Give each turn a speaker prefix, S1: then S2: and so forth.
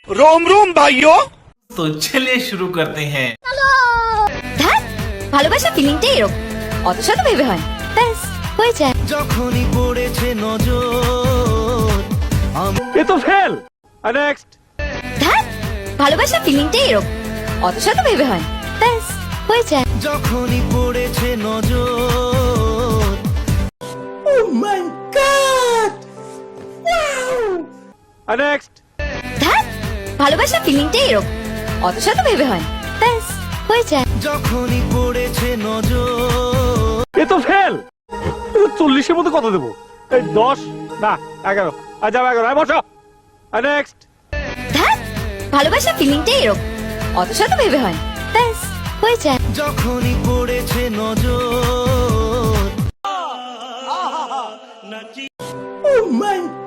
S1: रोम रोम भाइयों।
S2: तो चलिए शुरू करते हैं।
S3: ধ্যাৎ, ভালোবাসা ফিলিংটাই এরকম, অত শত ভেবে হয়, ব্যাস হয়ে যায়।
S4: যখনই পড়েছে নজর
S1: ये तो फेल। नेक्स्ट।
S3: ধ্যাৎ, ভালোবাসা ফিলিংটাই এরকম, অত শত ভেবে হয়, ব্যাস হয়ে যায়।
S4: যখনই পড়েছে নজর
S1: नेक्स्ट।
S3: ধ্যাৎ, ভালোবাসা ফিলিংটাই এরকম, অত শত ভেবে হয়, ব্যাস হয়ে যায়।
S4: যখনই পড়েছে নজর
S1: ये तो फेल। 40-এর মধ্যে কত দেবো? 10 না 11। আচ্ছা 11 বসো। নেক্সট।
S3: ধ্যাৎ, ভালোবাসা ফিলিংটাই এরকম, অত শত ভেবে হয়, ব্যাস হয়ে যায়।
S4: যখনই পড়েছে নজর